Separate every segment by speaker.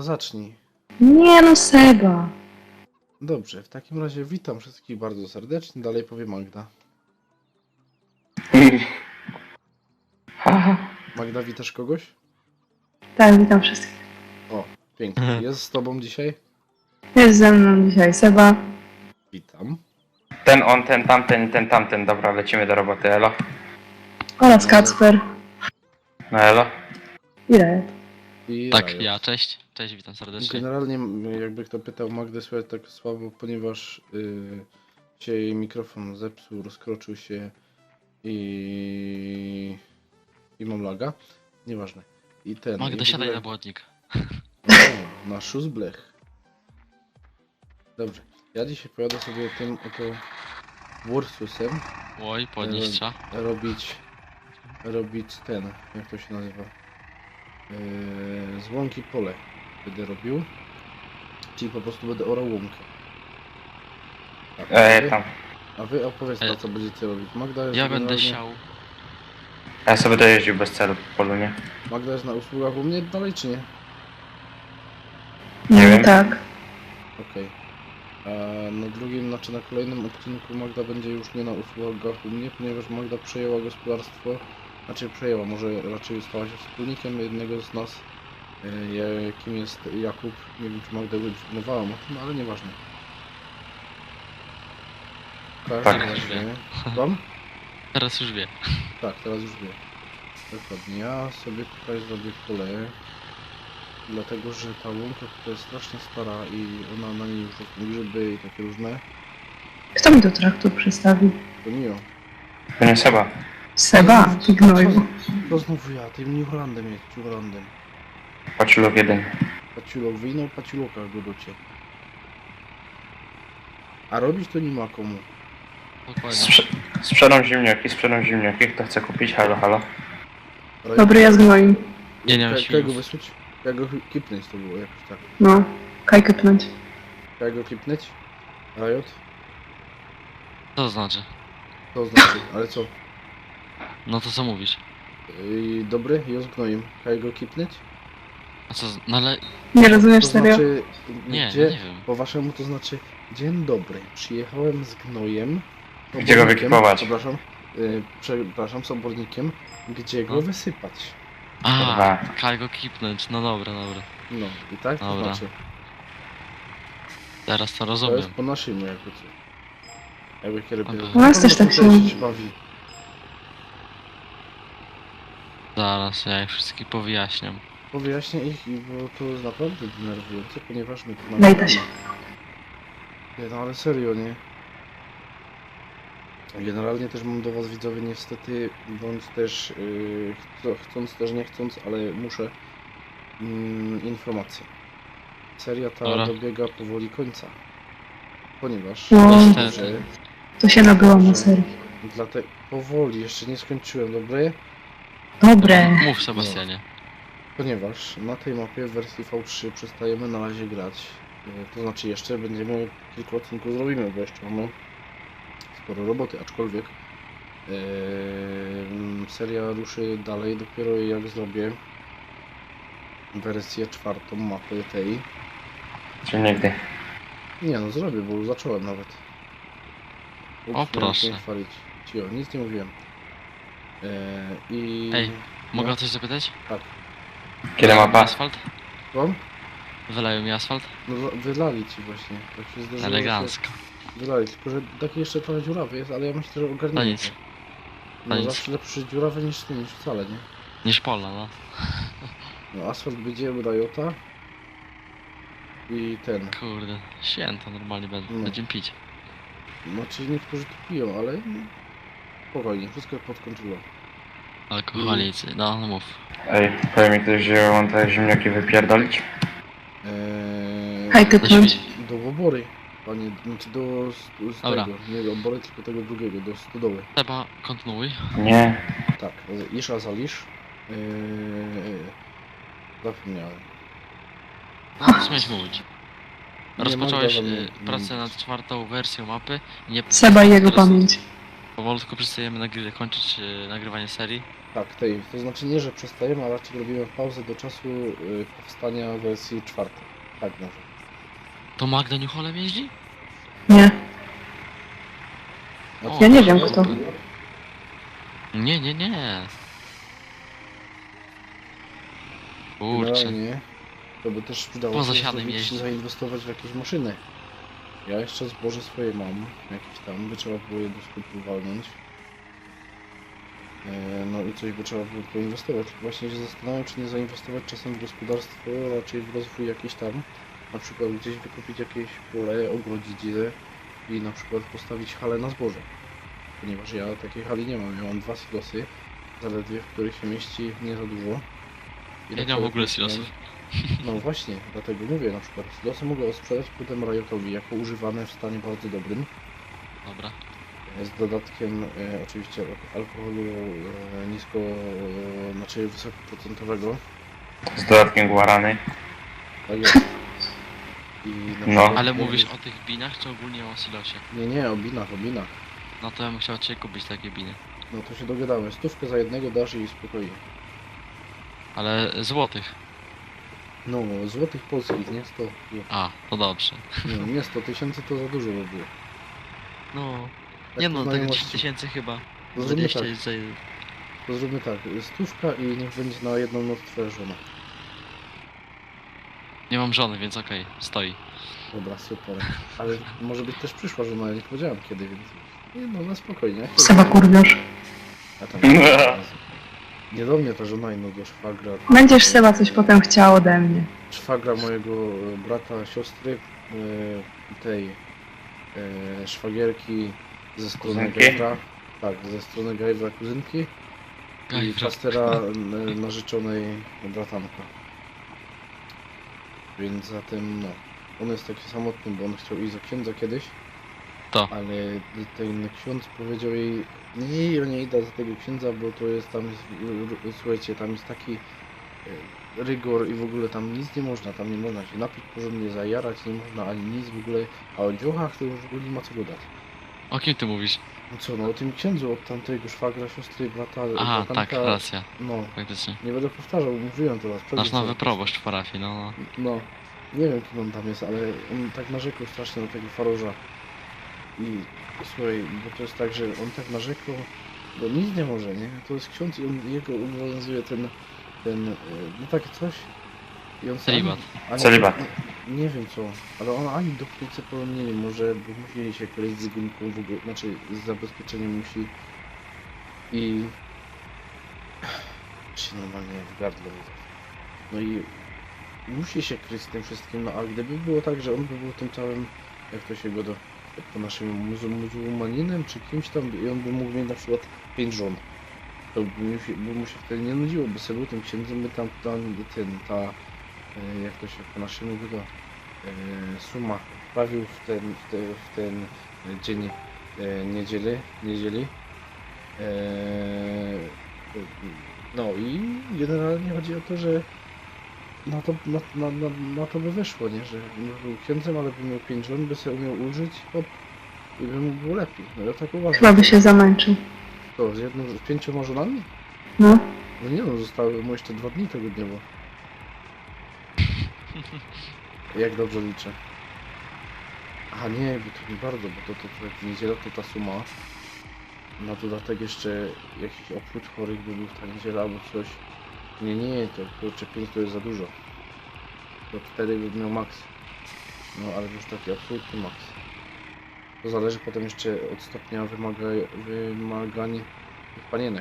Speaker 1: zacznij.
Speaker 2: Nie no, Seba.
Speaker 1: Dobrze, w takim razie witam wszystkich bardzo serdecznie. Dalej powie Magda. Magda, witasz kogoś?
Speaker 2: Tak, witam wszystkich.
Speaker 1: O, pięknie. Jest z tobą dzisiaj?
Speaker 2: Jest ze mną dzisiaj Seba.
Speaker 1: Witam.
Speaker 3: Ten on, ten tamten, ten tamten. Dobra, lecimy do roboty, elo.
Speaker 2: Oraz Kacper.
Speaker 3: No elo.
Speaker 2: I Riot.
Speaker 1: I
Speaker 4: Tak,
Speaker 1: Riot.
Speaker 4: ja, cześć. Cześć, witam serdecznie.
Speaker 1: Generalnie, jakby kto pytał, Magdę słychać tak słabo, ponieważ się jej mikrofon zepsuł, rozkroczył się i mam laga. Nieważne. I ten.
Speaker 4: Magda,
Speaker 1: i w
Speaker 4: siadaj
Speaker 1: ogóle-
Speaker 4: na błotnik.
Speaker 1: O, na szóstblech. Dobrze. Ja dzisiaj pojadę sobie tym oto Ursusem
Speaker 4: Oj, podnieść trzeba.
Speaker 1: robić ten, jak to się nazywa? Z łąki pole będę robił. Czyli po prostu będę orał łąkę. Tak,
Speaker 3: Tam.
Speaker 1: a wy opowiedzcie, co będziecie robić. Magda jest
Speaker 4: Ja będę
Speaker 1: generalnie-
Speaker 4: siał.
Speaker 3: Ja sobie dojeździł bez celu po polu, nie?
Speaker 1: Magda jest na usługach u mnie dalej, czy nie?
Speaker 3: Nie wiem.
Speaker 2: Tak.
Speaker 1: Okej. A na drugim, znaczy na kolejnym odcinku Magda będzie już nie na usługach u mnie, ponieważ Magda przejęła gospodarstwo, znaczy przejęła, może raczej stała się wspólnikiem jednego z nas, jakim jest Jakub. Nie wiem, czy Magda go informowałam o tym, ale nieważne. W każdym
Speaker 3: Tak.
Speaker 1: razie- Wam?
Speaker 4: Teraz już wie.
Speaker 1: Tak, teraz już wiem. Dokładnie. Ja sobie tutaj zrobię pole, dlatego że ta łąka tutaj jest strasznie stara i ona na niej już rosną grzyby i takie różne.
Speaker 2: Kto mi do traktu przystawi?
Speaker 1: To nie ja.
Speaker 3: To nie Seba.
Speaker 2: Seba, ty gnoju.
Speaker 1: To znowu ja, tym New Hollandem jest, New Hollandem.
Speaker 3: Paciulok jeden.
Speaker 1: Paciulok wyjną, paciuloka go docie. A robić to nie ma komu.
Speaker 4: Dokładnie.
Speaker 3: Sprzedam ziemniaki, kto chce kupić? Halo, halo.
Speaker 2: Dobry, ja z gnoju.
Speaker 4: Nie, nie mam
Speaker 1: Jak go
Speaker 4: świniów.
Speaker 1: wysłać? Jak go kipnąć to było jakoś tak.
Speaker 2: No, kajkę pnąć.
Speaker 1: Jak go kipnąć? Riot?
Speaker 4: Co to znaczy?
Speaker 1: To znaczy, ale co?
Speaker 4: No to co mówisz?
Speaker 1: Dobry, i z gnojem. Jak go kipnąć?
Speaker 4: A co, no ale...
Speaker 2: Nie rozumiesz
Speaker 1: To
Speaker 2: serio?
Speaker 1: znaczy,
Speaker 4: Nie,
Speaker 1: gdzie,
Speaker 4: no nie wiem.
Speaker 1: po waszemu to znaczy, dzień dobry, przyjechałem z gnojem.
Speaker 3: Gdzie go
Speaker 1: obornikiem,
Speaker 3: wykipować?
Speaker 1: Przepraszam, z obornikiem, gdzie go
Speaker 4: No.
Speaker 1: wysypać.
Speaker 4: A,
Speaker 3: Kurwa.
Speaker 4: kaj go kipnąć. No dobra, dobra.
Speaker 1: No i tak to
Speaker 4: Dobra.
Speaker 1: znaczy,
Speaker 4: Teraz to
Speaker 1: to jest
Speaker 4: rozumiem.
Speaker 1: po naszemu jakby co. Jakby kiedy
Speaker 4: Dobra.
Speaker 1: robię.
Speaker 2: U nas też tak się
Speaker 1: się bawi.
Speaker 4: Zaraz, ja ich wszystkich powyjaśniam.
Speaker 1: Powyjaśnię ich, bo to jest naprawdę denerwujące, ponieważ my tu mamy...
Speaker 2: Lejta się.
Speaker 1: Nie, no ale serio, nie? Generalnie też mam do was widzowie niestety, bądź też chcąc też nie chcąc, ale muszę informację. Seria ta
Speaker 4: Dobra.
Speaker 1: dobiega powoli końca. Ponieważ
Speaker 2: No.
Speaker 4: Niestety.
Speaker 2: To się nabyłam na serii.
Speaker 1: dlatego powoli jeszcze nie skończyłem, dobre?
Speaker 2: Dobre.
Speaker 4: Mów, Sebastianie.
Speaker 1: Ponieważ na tej mapie w wersji V3 przestajemy na razie grać. To znaczy jeszcze będziemy kilka odcinków zrobimy, bo jeszcze mamy sporo roboty, aczkolwiek seria ruszy dalej dopiero jak zrobię wersję czwartą mapy tej.
Speaker 3: Czy nigdy.
Speaker 1: Nie no, zrobię, bo już zacząłem nawet.
Speaker 4: O,
Speaker 1: miałem
Speaker 4: proszę.
Speaker 1: się chwalić. Cio, nic nie mówiłem. I...
Speaker 4: Ej, Mogę
Speaker 1: No.
Speaker 4: o coś zapytać?
Speaker 1: Tak.
Speaker 3: Kiedy
Speaker 4: Wylają mi
Speaker 3: mapa?
Speaker 4: asfalt?
Speaker 1: Wam?
Speaker 4: Wylają mi asfalt?
Speaker 1: No wylali ci właśnie. Tak się zdarzyło, że
Speaker 4: Elegancko.
Speaker 1: wylali, tylko że taki jeszcze trochę dziurawy jest, ale ja myślę, że ogarniemy.
Speaker 4: No nic.
Speaker 1: to.
Speaker 4: No
Speaker 1: No
Speaker 4: nic.
Speaker 1: zawsze lepszy dziurawy niż ty, niż wcale, nie?
Speaker 4: Niż polna, no.
Speaker 1: No asfalt będzie u Riota. I ten.
Speaker 4: Kurde, święto normalnie
Speaker 1: No.
Speaker 4: będziemy pić.
Speaker 1: Znaczy niektórzy to piją, ale spokojnie, wszystko pod kontrolą.
Speaker 4: Alkoholicy, no mów.
Speaker 3: Ej, powie mi ktoś, że mam te ziemniaki wypierdolić?
Speaker 2: Kajkę
Speaker 4: Do
Speaker 2: pnąć.
Speaker 4: świni.
Speaker 1: Do obory, panie, znaczy z
Speaker 4: Dobra.
Speaker 1: tego, nie do obory, tylko tego drugiego, do stodoły.
Speaker 4: Seba, kontynuuj.
Speaker 3: Nie.
Speaker 1: Tak, Isza zalisz. Zapomniałem.
Speaker 4: No to co miałeś mówić?
Speaker 1: Nie,
Speaker 4: Rozpocząłeś
Speaker 1: Magda wam nie-
Speaker 4: pracę nad czwartą wersją mapy. Nie,
Speaker 2: Seba i jego
Speaker 4: teraz
Speaker 2: pamięć.
Speaker 4: Powolutku przestajemy kończyć nagrywanie serii.
Speaker 1: Tak, tej. To znaczy nie, że przestajemy, a raczej robimy pauzę do czasu powstania wersji 4. Tak może.
Speaker 4: To Magda Newholem jeździ?
Speaker 2: Nie.
Speaker 1: Znaczy,
Speaker 2: Ja nie wiem kto.
Speaker 4: Nie, nie, nie. Kurczę.
Speaker 1: Generalnie to by też przydało
Speaker 4: Poza
Speaker 1: się
Speaker 4: siadem
Speaker 1: zrobić,
Speaker 4: jeździ.
Speaker 1: zainwestować w jakieś maszyny. Ja jeszcze zboże swoje mam, jakieś tam, by trzeba było je do skupu walnąć. No i coś by trzeba było poinwestować. Właśnie się zastanawiam, czy nie zainwestować czasem w gospodarstwo, raczej w rozwój jakiś tam. Na przykład gdzieś wykupić jakieś pole, ogrodzić je i na przykład postawić halę na zboże. Ponieważ ja takiej hali nie mam. Ja mam 2 silosy, zaledwie w których się mieści nie za dużo. I
Speaker 4: Ja nie mam w ogóle
Speaker 1: dlatego
Speaker 4: silosów.
Speaker 1: No właśnie, dlatego mówię, na przykład silosy mogę sprzedać potem Riotowi jako używane w stanie bardzo dobrym.
Speaker 4: Dobra.
Speaker 1: Z dodatkiem oczywiście alkoholu nisko, znaczy wysokoprocentowego.
Speaker 3: Z dodatkiem guarany.
Speaker 1: Tak jest. I na
Speaker 3: No.
Speaker 1: przykład
Speaker 4: Ale
Speaker 1: mogę-
Speaker 4: mówisz o tych binach, czy ogólnie o silosie?
Speaker 1: Nie, o binach, o binach.
Speaker 4: No to ja bym chciał od ciebie kupić takie biny.
Speaker 1: No to się dogadamy. 100 za jednego dasz i spokojnie.
Speaker 4: Ale złotych.
Speaker 1: No, złotych polskich, nie 100.
Speaker 4: A, to dobrze.
Speaker 1: Nie 100 tysięcy to za dużo by było.
Speaker 4: No.
Speaker 1: Tak
Speaker 4: Nie
Speaker 1: po
Speaker 4: no, tego 10
Speaker 1: znajomości.
Speaker 4: tysięcy chyba.
Speaker 1: To zróbmy
Speaker 4: 20
Speaker 1: tak,
Speaker 4: jest za...
Speaker 1: to zróbmy tak. 100 i niech będzie na jedną noc twoja żona.
Speaker 4: Nie mam żony, więc okej, stoi.
Speaker 1: Dobra, super. Ale może być też przyszła żona, ja nie powiedziałem kiedy, więc... Nie no, na spokojnie.
Speaker 2: Seba kurwiarz.
Speaker 1: A tam... Nie do mnie ta żona, no do szwagra.
Speaker 2: Będziesz Seba coś potem chciał ode mnie.
Speaker 1: Szwagra mojego brata, siostry, tej szwagierki ze strony
Speaker 3: Kuzynki?
Speaker 1: Gajbra. Tak, ze strony Gajbra kuzynki i
Speaker 4: Gajbra.
Speaker 1: pastera narzeczonej bratanka. Więc zatem no, on jest taki samotny, bo on chciał iść za księdza kiedyś,
Speaker 4: To.
Speaker 1: ale ten ksiądz powiedział jej, nie, ja nie idę za tego księdza, bo to jest tam, słuchajcie, tam jest taki rygor i w ogóle tam nic nie można, tam nie można się napić porządnie, zajarać, nie można ani nic w ogóle, a o dziołchach to już w ogóle nie ma co gadać.
Speaker 4: O kim ty mówisz?
Speaker 1: No co, no o tym księdzu od tamtego szwagra, siostry, brata,
Speaker 4: Aha,
Speaker 1: bratanka,
Speaker 4: tak, racja.
Speaker 1: no,
Speaker 4: Faktycznie.
Speaker 1: nie będę powtarzał, mówiłem to raz.
Speaker 4: Nasz
Speaker 1: pewnie
Speaker 4: nowy
Speaker 1: co-
Speaker 4: proboszcz w parafii, no.
Speaker 1: No, nie wiem kim on tam jest, ale on tak narzekał strasznie na tego faroża. I słuchaj, bo to jest tak, że on tak narzekał, bo nic nie może, nie? To jest ksiądz i on, jego obowiązuje no takie coś. I on
Speaker 4: Celibat.
Speaker 3: Celibat.
Speaker 1: Nie wiem co, ale on ani dotknąć nie może, bo musi się kryć z gumką w ogóle, znaczy z zabezpieczeniem musi. I... się normalnie w gardle widzę. No i musi się kryć z tym wszystkim, no a gdyby było tak, że on by był tym całym, jak to się go do, po naszym muzułmaninem czy kimś tam i on by mógł mieć na przykład 5 żon, to by mu się wtedy nie nudziło, by sobie był tym księdzem, by tam jak to się po naszemu mówi, suma wprawił w ten dzień niedzieli. No i generalnie chodzi o to, że na to by wyszło, nie? Że był księdzem, ale by miał 5 żon, by sobie umiał ulżyć, hop, i by mu było lepiej. No ja tak uważam.
Speaker 2: Chyba by się zamęczył.
Speaker 1: To, z 5 żonami?
Speaker 2: No.
Speaker 1: No nie no, zostały mu jeszcze 2 dni tygodniowo. Jak dobrze liczę. A nie, bo to nie bardzo, bo to jak niedziela to ta suma. Na dodatek jeszcze jakiś obchód chorych by był w ta niedziela albo coś. Nie, to kurczę 5 to jest za dużo. To 4 by miał maks. No ale już taki absolutny maks. To zależy potem jeszcze od stopnia wymagań panienek.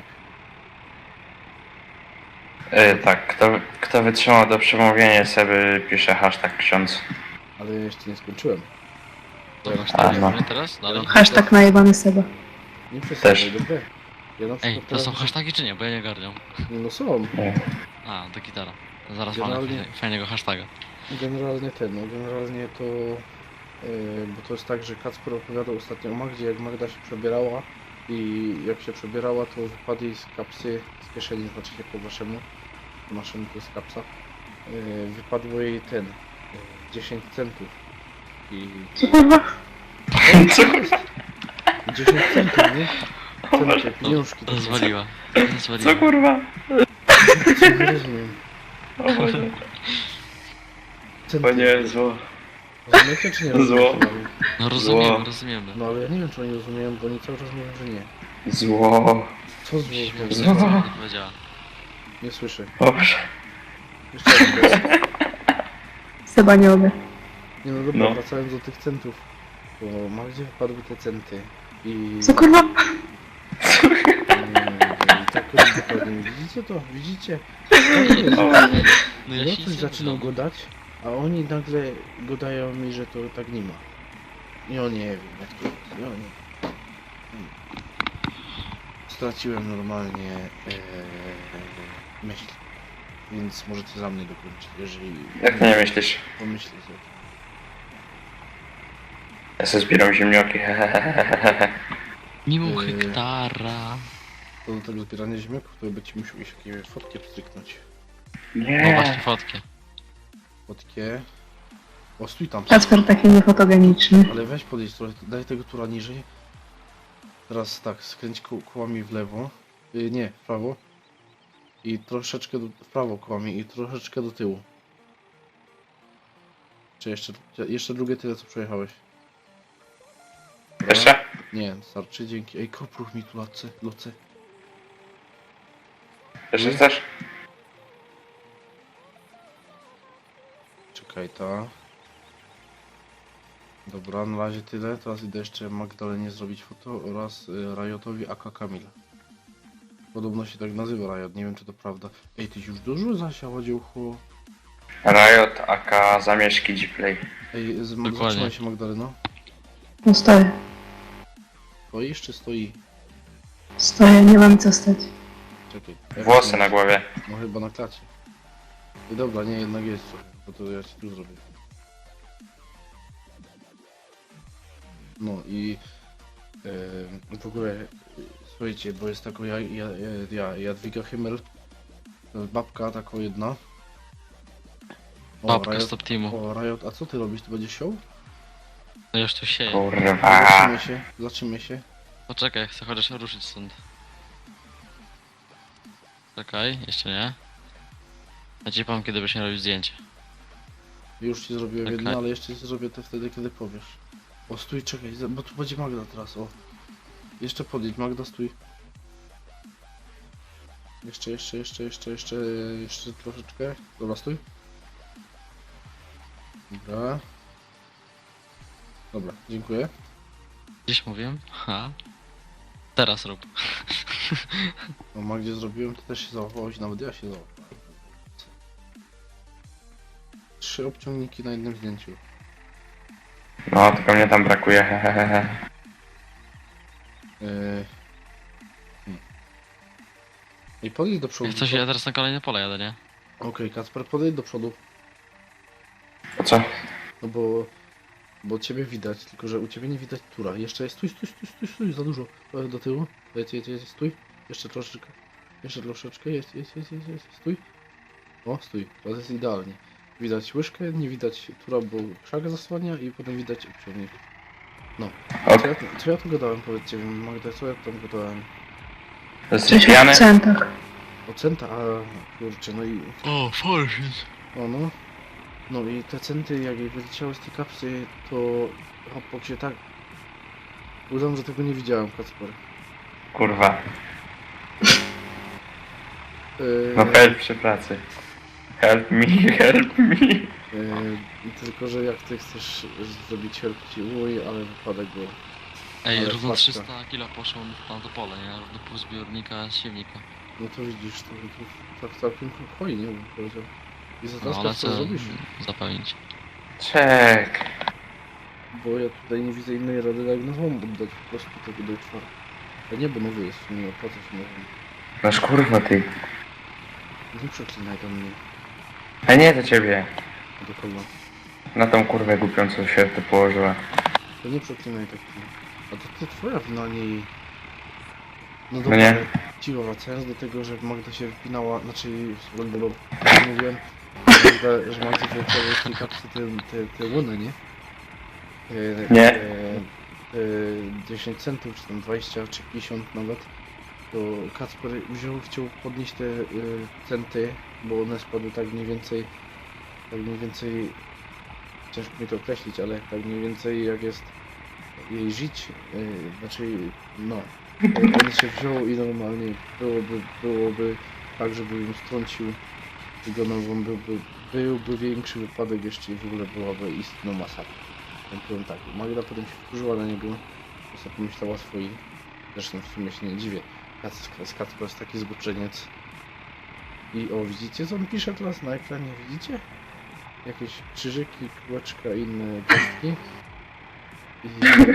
Speaker 3: Tak, kto wytrzymał do przemówienia sobie pisze hashtag ksiądz.
Speaker 1: Ale ja jeszcze nie skończyłem.
Speaker 4: To masz
Speaker 3: A,
Speaker 4: tak
Speaker 3: no.
Speaker 4: teraz? Dalej?
Speaker 2: Hashtag najebany Seba.
Speaker 1: Nie przesadzaj,
Speaker 3: Też.
Speaker 1: dobre. Ja na przykład
Speaker 4: Ej, to
Speaker 1: teraz
Speaker 4: są hasztagi czy nie? Bo ja nie ogarniam.
Speaker 1: No są.
Speaker 4: A, to gitara. To zaraz mamy
Speaker 1: Generalnie-
Speaker 4: fajnego hashtaga.
Speaker 1: Generalnie generalnie to... bo to jest tak, że Kacper opowiadał ostatnio o Magdzie, jak Magda się przebierała i jak się przebierała, to wypadł jej z kapsy, z kieszeni, znaczy nie po waszemu, po naszemu to jest kapsa, wypadło jej 10 centów. I
Speaker 2: Co kurwa?
Speaker 1: 10 centów, nie? Centy, pieniążki.
Speaker 4: Rozwaliła.
Speaker 3: Co
Speaker 4: Rozwaliła.
Speaker 3: kurwa?
Speaker 1: Nie rozumiem.
Speaker 3: O Boże.
Speaker 1: Centy.
Speaker 3: O nie, zło.
Speaker 1: Rozumiecie czy nie
Speaker 3: Zło.
Speaker 1: rozumiecie?
Speaker 4: No rozumiemy,
Speaker 3: Zło.
Speaker 4: rozumiemy.
Speaker 1: No ale ja nie wiem czy oni rozumieją, bo oni cały czas mówią, że nie.
Speaker 3: Zło.
Speaker 1: Co zło?
Speaker 3: Zło.
Speaker 4: Nie powiedziała.
Speaker 1: Nie słyszę.
Speaker 3: O Boże.
Speaker 1: Jeszcze raz.
Speaker 2: Seba nie lubię.
Speaker 1: Nie no dobra,
Speaker 3: No.
Speaker 1: wracając do tych centów. Bo Magdzie wypadły te centy. I...
Speaker 2: Co kurwa?
Speaker 1: I tak dokładnie. Widzicie to? Widzicie? Tak jest.
Speaker 3: O.
Speaker 4: No ja
Speaker 1: Ja
Speaker 4: się
Speaker 1: coś
Speaker 4: nic nie
Speaker 1: zaczynał
Speaker 4: dodam.
Speaker 1: gadać, a oni nagle gadają mi, że to tak nie ma. I o nie wiem jak to jest. Ja nie. Straciłem normalnie myśl. Więc możecie za mnie dokończyć, jeżeli
Speaker 3: Jak ty nie myślisz?
Speaker 1: pomyślicie o tym.
Speaker 3: Ja sobie zbieram ziemnioki.
Speaker 4: Mimo
Speaker 1: Yy.
Speaker 4: hektara.
Speaker 1: To do tego zbierania ziemniaków, to będziecie musiał jakieś fotki pstryknąć.
Speaker 4: No właśnie
Speaker 3: Nie.
Speaker 4: fotkę.
Speaker 1: Fotkie. O, stój tam.
Speaker 2: Kacper taki niefotogeniczny.
Speaker 1: Ale weź podejść trochę, daj tego tura niżej. Teraz tak, skręć kołami w lewo. Nie, w prawo. I troszeczkę w prawo kołami i troszeczkę do tyłu. Czy jeszcze drugie tyle co przejechałeś. Dobra.
Speaker 3: Jeszcze?
Speaker 1: Nie, starczy, dzięki. Ej, kopruch mi tu loce.
Speaker 3: Jeszcze chcesz?
Speaker 1: Czekaj, ta. Dobra, na razie tyle. Teraz idę jeszcze Magdalenie zrobić foto oraz Riotowi aka Kamil. Podobno się tak nazywa Riot, nie wiem czy to prawda. Ej, tyś już dużo zasiała dziełcho.
Speaker 3: Riot, aka zamieszki Gplay.
Speaker 1: Ej,
Speaker 4: Dokładnie.
Speaker 1: zatrzymaj się Magdaleno.
Speaker 2: No stoję.
Speaker 1: Stoisz czy stoi?
Speaker 2: Stoję, nie mam co stać.
Speaker 1: Czekaj.
Speaker 3: Włosy na głowie.
Speaker 1: No chyba na klacie. I dobra, nie, jednak jest trochę, bo to ja ci tu zrobię. No i w ogóle słuchajcie, bo jest taka Jadwiga Himmel, to jest babka taka jedna. O,
Speaker 4: Babka
Speaker 1: Riot,
Speaker 4: stop teamu.
Speaker 1: o, Riot, a co ty robisz? Ty będziesz siął?
Speaker 4: No już tu sieje.
Speaker 3: Kurwa.
Speaker 1: Zatrzymaj się.
Speaker 4: Poczekaj, chcę chociaż ruszyć stąd. Czekaj, jeszcze nie. Ja ci powiem kiedy byś nie robił zdjęcie.
Speaker 1: Już ci zrobiłem
Speaker 4: Okej.
Speaker 1: jedno, ale jeszcze ci zrobię to wtedy, kiedy powiesz. O, stój, czekaj, bo tu będzie Magda teraz, o. Jeszcze podjedź, Magda, stój. Jeszcze troszeczkę. Dobra, stój. Dobra. Dobra, dziękuję.
Speaker 4: Gdzieś mówiłem? Ha. Teraz rób.
Speaker 1: No, Magdzie zrobiłem, to też się załapałeś, nawet ja się załapałem. 3 obciągniki na jednym zdjęciu.
Speaker 3: No, tylko mnie tam brakuje. Hehehe.
Speaker 1: I podejdź do przodu.
Speaker 4: Jak coś, ja teraz na kolejne pole jadę, nie?
Speaker 1: Okej, Kacper, podejdź do przodu.
Speaker 3: A co?
Speaker 1: No bo ciebie widać, tylko że u ciebie nie widać tura. Jeszcze jest, stój, za dużo. Trochę do tyłu. Jedź, stój. Jeszcze troszeczkę. Jest, stój. O, stój. Teraz jest idealnie. Widać łyżkę, nie widać tura, bo krzak zasłania i potem widać obciągnik. No.
Speaker 3: Ok.
Speaker 1: Co ja tu gadałem, powiedzcie mi, Magda, co ja tam gadałem?
Speaker 3: Jesteś
Speaker 2: Coś
Speaker 3: pijany?
Speaker 2: w centach.
Speaker 1: O centa, a kurczę, no i...
Speaker 4: O, forshit.
Speaker 1: O no. No i te centy, jak je wyleciały z tej kapsy, to hopok się tak... Udam, że tego nie widziałem, Kacper.
Speaker 3: Kurwa.
Speaker 1: Yy,
Speaker 3: No help przy pracy. Help me, help me.
Speaker 1: tylko, że jak ty chcesz zrobić help ci ale wypada go...
Speaker 4: Ej,
Speaker 1: Ale
Speaker 4: równo
Speaker 1: paczka.
Speaker 4: 300 kilo poszło na to pole, nie? Równo pół zbiornika siewnika.
Speaker 1: No to widzisz, to tak całkiem hojnie bym powiedział. I za
Speaker 4: No
Speaker 1: to
Speaker 4: ale
Speaker 1: co
Speaker 4: co
Speaker 1: zrobisz?
Speaker 4: zapełnić?
Speaker 3: Czek.
Speaker 1: Bo ja tutaj nie widzę innej rady, jak na złom oddać po prostu tego do czwartego. A nie, bo nowy jest, nie opłaca się nowym.
Speaker 3: Noż kurwa ty.
Speaker 1: Nie przeklinaj do mnie,
Speaker 3: A nie do ciebie.
Speaker 1: do kogo.
Speaker 3: Na tą kurwę głupią, co się tu położyła.
Speaker 1: To nie przeklinaj tak. A to twoja wina, nie jej. No
Speaker 3: No
Speaker 1: dobra,
Speaker 3: nie.
Speaker 1: ale cicho, wracając do tego, że Magda się wypinała, znaczy, mówiłem, że Magda wyleciały z tej kapsy te łony, nie?
Speaker 3: Nie.
Speaker 1: 10 centów, czy tam 20, czy 50 nawet, to Kacper chciał podnieść te centy, bo one spadły tak mniej więcej, ciężko mi to określić, ale tak mniej więcej jak jest jej żyć, znaczy no, on się wziął i normalnie byłoby tak, żeby ją strącił i go nogą byłby większy wypadek jeszcze i w ogóle byłaby istną masakra. Ja powiem tak, Magda potem się wkurzyła na niego, bo sobie pomyślała swoim, zresztą w sumie się nie dziwię, Kacper jest taki zboczeniec. I o, widzicie co on pisze teraz na ekranie, widzicie? Jakieś krzyżyki, kółeczka i inne gwiazdki. I...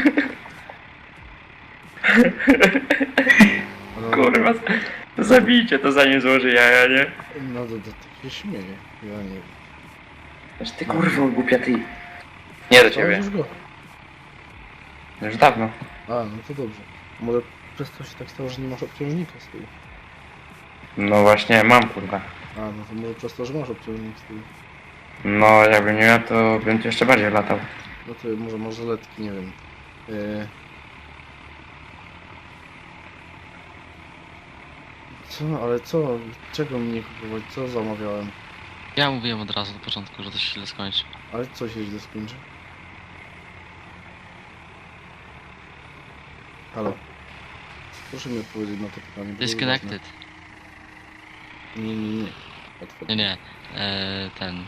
Speaker 1: No,
Speaker 3: Kurwa, zabijcie to zanim złoży jaja, nie?
Speaker 1: no to tak się śmieje, ja nie wiem.
Speaker 3: Aż ty kurwa głupia ty. Nie do ciebie.
Speaker 1: Założysz go?
Speaker 3: Już dawno.
Speaker 1: A, no to dobrze. Może przez to się tak stało, że nie masz obciążnika z tyłu.
Speaker 3: No właśnie, mam kurwa.
Speaker 1: A, no to może przez to, że masz obciążnik z tyłu.
Speaker 3: No jakbym nie miał, to bym tu jeszcze bardziej latał.
Speaker 1: No to może masz zaletki, nie wiem. Co? Ale co? Czego mi nie kupować? Co zamawiałem?
Speaker 4: Ja mówiłem od razu od początku, że to się źle skończy.
Speaker 1: Ale co się źle skończy? Halo? Proszę mi odpowiedzieć na to pytanie. bo to jest
Speaker 4: Disconnected.
Speaker 1: ważne. Nie. Łatwo.
Speaker 4: Nie. Ten.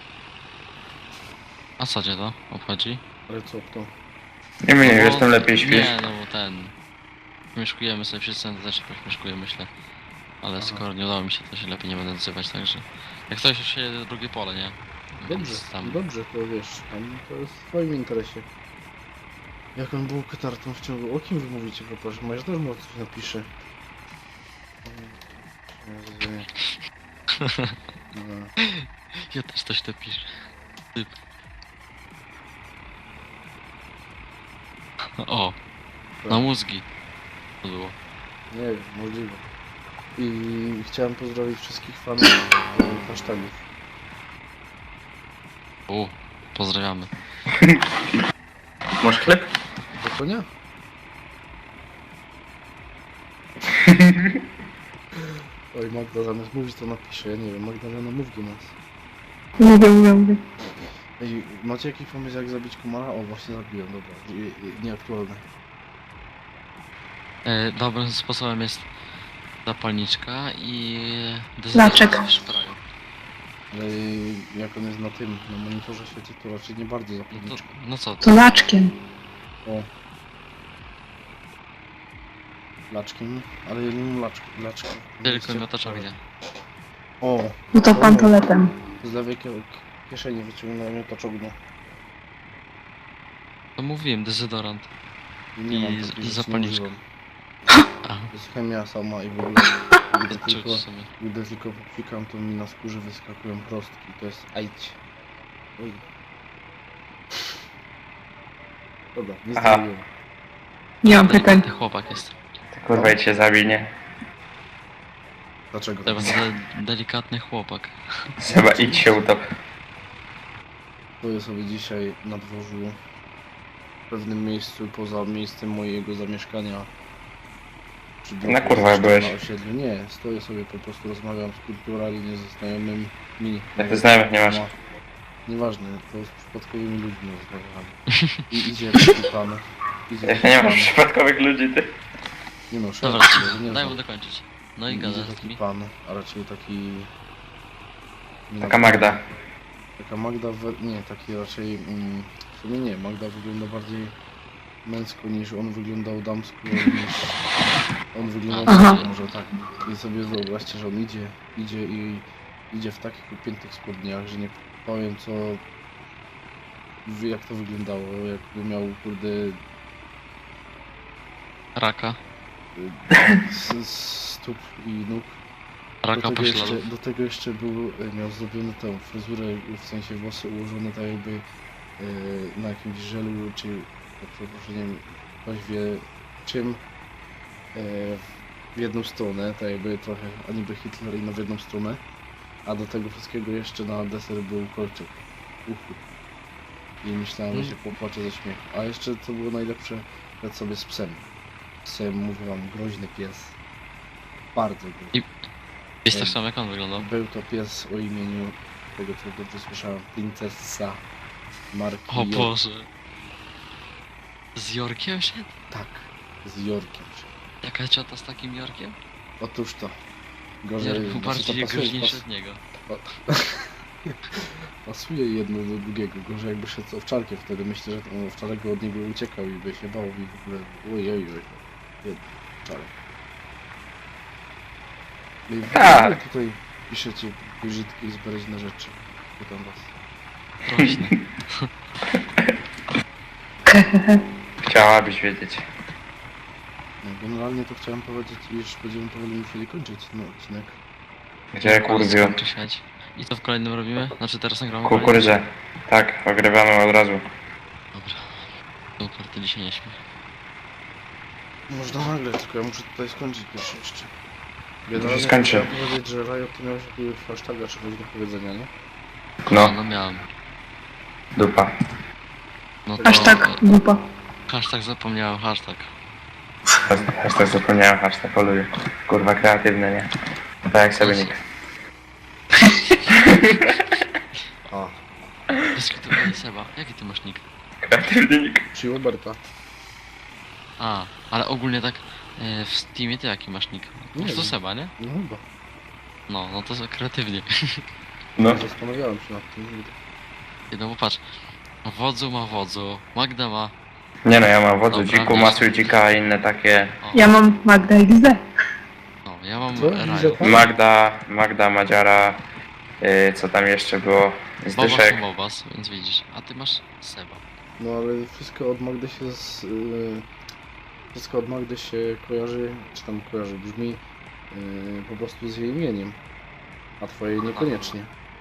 Speaker 4: A co cię to obchodzi?
Speaker 1: Ale co to?
Speaker 3: Nie mnie,
Speaker 4: No
Speaker 3: wiesz,
Speaker 4: bo-
Speaker 3: tym lepiej śpisz.
Speaker 4: Nie, no bo ten. Mieszkujemy sobie wszyscy, to też mieszkuję, myślę. Ale
Speaker 1: Aha.
Speaker 4: skoro nie udało mi się, to się lepiej nie będę odzywać, także... Jak ktoś już się drugie pole, nie?
Speaker 1: Dobrze,
Speaker 4: Więc tam...
Speaker 1: dobrze, to wiesz, tam to jest w twoim interesie. Jaką bułkę tartą w ciągu... O kim wy mówicie, proszę? Masz też może coś napisze. No.
Speaker 4: Ja też coś to piszę. Typ. O, na mózgi. To było.
Speaker 1: Nie wiem, możliwe. I chciałem pozdrowić wszystkich fanów hashtagów.
Speaker 4: Pozdrawiamy.
Speaker 3: Masz chleb?
Speaker 1: Do konia? Oj, Magda zamiast mówić to napisze, ja nie wiem, Magdalena mów do nas.
Speaker 2: Mówię.
Speaker 1: Ej, macie jakiś pomysł jak zabić komara? O, właśnie zabiłem, dobra, nieaktualne.
Speaker 4: Dobrym sposobem jest zapalniczka i...
Speaker 2: Laczek.
Speaker 4: w szpraju.
Speaker 1: Ale jak on jest na tym, na monitorze świeci, to raczej nie bardzo
Speaker 4: No, to,
Speaker 1: zapalniczka.
Speaker 4: no co?
Speaker 2: To laczkiem.
Speaker 1: O. Laczkiem, ale ja nie mam laczki.
Speaker 4: Tylko miotaczok gdzie?
Speaker 1: O,
Speaker 2: No to pantoletem.
Speaker 1: z lewej kieszeni wyciągnąłem miotaczogno.
Speaker 4: To mówiłem, dezodorant.
Speaker 1: Nie
Speaker 4: I
Speaker 1: mam
Speaker 4: z-
Speaker 1: takich rzeczy,
Speaker 4: zapalniczka.
Speaker 1: nie używam.
Speaker 4: Aha,
Speaker 1: To jest chemia sama i w ogóle,
Speaker 4: czuć sobie.
Speaker 1: gdy tylko popikam, to mi na skórze wyskakują prostki. To jest aić. Oj. Dobra, nie
Speaker 3: Aha.
Speaker 1: zrobiłem.
Speaker 2: Nie mam pytań.
Speaker 4: Delikatny chłopak jest.
Speaker 3: Ty kurwa i cię zawinie.
Speaker 1: Dlaczego?
Speaker 4: To jest delikatny chłopak.
Speaker 3: Chyba idź się utop.
Speaker 1: Stoję sobie dzisiaj na dworzu w pewnym miejscu poza miejscem mojego zamieszkania. Przy
Speaker 3: Na kurwa byłeś.
Speaker 1: Na osiedlu. Nie, stoję sobie po prostu rozmawiam z kulturalnie ze znajomymi.
Speaker 3: Jak ty znajomych nie masz?
Speaker 1: Nieważne, to z przypadkowymi ludźmi rozmawiam. I idzie taki pan. Idzie
Speaker 3: Jak
Speaker 1: taki
Speaker 3: nie masz
Speaker 1: pan.
Speaker 3: przypadkowych ludzi, ty.
Speaker 1: Nie no,
Speaker 4: Dobra,
Speaker 1: szef, nie
Speaker 4: daj
Speaker 1: znam.
Speaker 4: mu dokończyć. No i
Speaker 1: Idzie
Speaker 4: gada z
Speaker 1: taki
Speaker 4: nimi.
Speaker 1: pan, a raczej taki... nie
Speaker 3: Taka
Speaker 1: wiem,
Speaker 3: Magda.
Speaker 1: Taka Magda, nie, taki raczej... w sumie nie, Magda wygląda bardziej męsko niż on wyglądał damsko, niż on wyglądał
Speaker 2: Aha.
Speaker 1: damsko, może tak. I sobie wyobraźcie, że on idzie w takich upiętych spodniach, że nie powiem co... jak to wyglądało, jakby miał kurde...
Speaker 4: Raka.
Speaker 1: stóp i nóg.
Speaker 4: Raka pośladów.
Speaker 1: Do tego jeszcze miał zrobiony tą fryzurę, w sensie włosy ułożone tak jakby na jakimś żelu, czy za przeproszeniem ktoś wie czym w jedną stronę, tak jakby trochę a niby Hitler i w jedną stronę, a do tego wszystkiego jeszcze na deser był kolczyk w uchu. I myślałem, że się popłaczę ze śmiechu. A jeszcze co było najlepsze, Lecę sobie z psem. Psem, mówię wam, groźny pies. Bardzo groźny.
Speaker 4: Jest tak samo jak on wyglądał.
Speaker 1: Był to pies o imieniu, tego co dobrze słyszałem, Princessa marki
Speaker 4: O
Speaker 1: York.
Speaker 4: Boże. Z Jorkiem szedł?
Speaker 1: Tak, z Yorkiem.
Speaker 4: Jaka ciota z takim Jorkiem?
Speaker 1: Otóż to. Gorzej,
Speaker 4: Jork był
Speaker 1: znaczy
Speaker 4: bardziej
Speaker 1: to pasuje,
Speaker 4: groźniejszy od niego.
Speaker 1: pasuje jedno do drugiego. Gorzej jakby szedł owczarkiem wtedy. Myślę, że ten owczarek by od niego uciekał i by się bał i w ogóle... Ojej, jeden owczarek. No i w
Speaker 3: Tak.
Speaker 1: ogóle tutaj piszecie brzydkie i zbereźne rzeczy. Pytam was.
Speaker 4: Prośny.
Speaker 3: Chciałabyś wiedzieć.
Speaker 1: No, generalnie to chciałem powiedzieć, iż będziemy powoli musieli kończyć ten odcinek.
Speaker 3: Gdzie kurwiu?
Speaker 4: Skończy śmiać. I co w kolejnym robimy? Znaczy teraz nagramy kolejny?
Speaker 3: Kukurydzę. Tak, ogrywamy od razu.
Speaker 4: Dobra. Super, ty dzisiaj nie śmiej.
Speaker 1: Można nagrać, tylko ja muszę tutaj skończyć pierwsze jeszcze.
Speaker 3: się skończy.
Speaker 1: chciałem powiedzieć, że Riot to miałeś jakiegoś hashtaga czy coś do powiedzenia, nie?
Speaker 3: No,
Speaker 4: No miałem.
Speaker 3: dupa.
Speaker 4: No to...
Speaker 2: Hashtag dupa.
Speaker 4: Hashtag zapomniałem, hashtag.
Speaker 3: Hashtag zapomniałem, hashtag poluję. Kurwa kreatywne, nie? Tak jak sobie nick.
Speaker 1: A,
Speaker 4: Dyskutowali Seba. Jaki ty masz nick?
Speaker 3: Kreatywny nick.
Speaker 1: Chiloberta.
Speaker 4: A, ale ogólnie tak w Steamie ty jaki masz nick?
Speaker 1: Nie
Speaker 4: To
Speaker 1: wiem.
Speaker 4: Seba, nie?
Speaker 1: No chyba.
Speaker 4: No to kreatywnie.
Speaker 3: No.
Speaker 1: Zastanawiałem się nad tym.
Speaker 4: No bo patrz. Wodzu ma wodzu, Magda ma...
Speaker 3: Nie no, ja mam wodzu,
Speaker 4: Dobra,
Speaker 3: dziku,
Speaker 4: wiesz.
Speaker 3: masuj dzika i inne takie.
Speaker 4: O,
Speaker 2: Ja mam Magda XD.
Speaker 4: no, ja mam
Speaker 1: Co?
Speaker 4: Rajo.
Speaker 3: Magda, Madziara, co tam jeszcze było?
Speaker 4: Bobas
Speaker 3: Zdyszek.
Speaker 4: to Bobas, więc widzisz. A ty masz Seba.
Speaker 1: No ale wszystko od Magdy się wszystko od Magdy się kojarzy, czy tam kojarzy, brzmi po prostu z jej imieniem. A twoje niekoniecznie.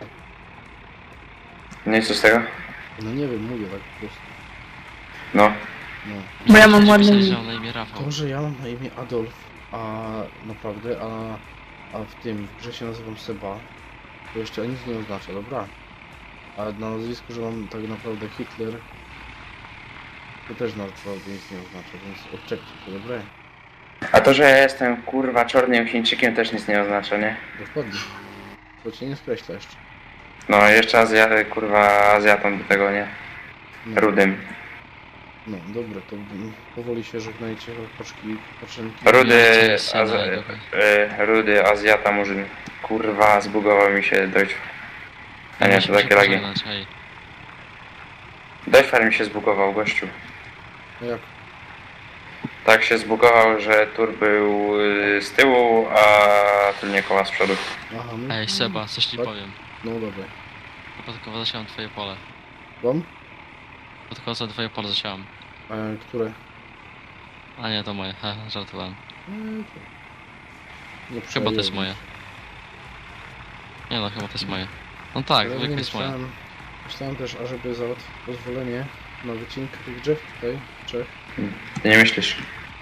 Speaker 3: No i co z tego?
Speaker 1: No nie wiem, mówię tak po prostu.
Speaker 3: No.
Speaker 1: No.
Speaker 2: Bo ja mam ładne
Speaker 4: Myślałem, że
Speaker 2: imię.
Speaker 4: mam na imię Rafał.
Speaker 1: To, że ja mam na imię Adolf, a naprawdę, a w tym w grze się nazywam Seba, to jeszcze nic nie oznacza, dobra? A na nazwisku, że mam tak naprawdę Hitler, to też naprawdę nic nie oznacza, więc odczepcie to, dobra?
Speaker 3: A to, że ja jestem kurwa czarnym Chińczykiem też nic nie oznacza, nie?
Speaker 1: Dokładnie. To cię nie skreśla jeszcze.
Speaker 3: No jeszcze kurwa Azjatą do tego, nie?
Speaker 1: No,
Speaker 3: Rudym.
Speaker 1: no dobra, to powoli się żegnajcie, paczki, paczenki.
Speaker 3: Rudy,
Speaker 4: Jeszcze scena, dobra.
Speaker 3: Rudy, Azjata, Murzyn. Kurwa, zbugował mi się Deutsch. A nie, to
Speaker 4: Musimy się
Speaker 3: takie lagi.
Speaker 4: pożegnać, hej.
Speaker 3: Deutschfar mi się zbugował, gościu.
Speaker 1: No jak?
Speaker 3: Tak się zbugował, że tur był z tyłu, a tylnie koła z przodu.
Speaker 1: Aha, no.
Speaker 4: Ej Seba, coś ci
Speaker 1: Tak?
Speaker 4: powiem.
Speaker 1: No dobra.
Speaker 4: Przypadkowo zasiałem twoje pole.
Speaker 1: Wam?
Speaker 4: Przypadkowo za twoje pole zasiałem.
Speaker 1: Które?
Speaker 4: A nie, to moje, żartowałem.
Speaker 1: Nie
Speaker 4: Chyba to jest moje. Nie no, chyba to jest moje. No tak,
Speaker 1: Ale
Speaker 4: zwykle
Speaker 1: nie
Speaker 4: jest moje.
Speaker 1: myślałem też, ażeby załatwić pozwolenie na wycinkę tych drzew tutaj, trzech,
Speaker 3: Ty nie myślisz?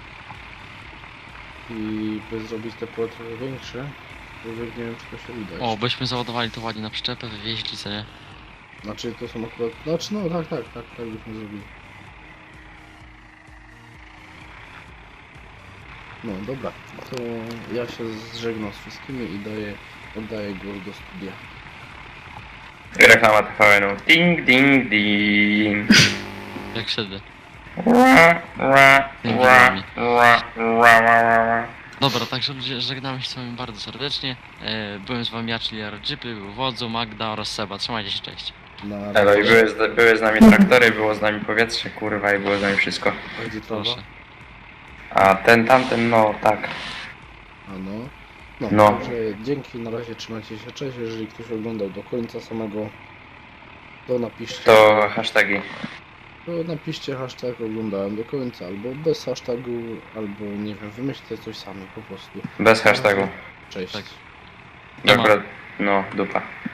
Speaker 1: i by zrobić te pole trochę większe, aczkolwiek nie wiem, czy to się uda.
Speaker 4: O,
Speaker 1: jeszcze.
Speaker 4: byśmy załadowali to ładnie na przyczepę, wywieźli, co nie?
Speaker 1: Znaczy to są akurat, znaczy no tak byśmy zrobili. No dobra, to ja się zżegnam z wszystkimi i oddaję głos do studia.
Speaker 3: Reklama TVN-u. Ding, ding, ding.
Speaker 4: Jak wtedy.
Speaker 3: Ra, ra, ra, ra, ra, ra, ra.
Speaker 4: Dobra, także ludzie, żegnamy się z wami bardzo serdecznie. Byłem z wami ja, czyli Argypy, był Wodzu, Magda oraz Seba. Trzymajcie się, cześć.
Speaker 1: Na
Speaker 3: Elo, i były z nami traktory, było z nami powietrze, kurwa, i było z nami wszystko.
Speaker 1: A gdzie trawa?
Speaker 4: Proszę.
Speaker 3: A tamten, no tak.
Speaker 1: A no. No,
Speaker 3: No.
Speaker 1: także dzięki, na razie trzymajcie się, cześć, jeżeli ktoś oglądał do końca samego, to napiszcie.
Speaker 3: To hashtagi.
Speaker 1: To napiszcie hashtag oglądałem do końca, albo bez hashtagu, albo nie wiem, wymyślcie coś sami po prostu.
Speaker 3: Bez hashtagu.
Speaker 1: Cześć.
Speaker 4: Tak.
Speaker 3: Akurat, no, dupa.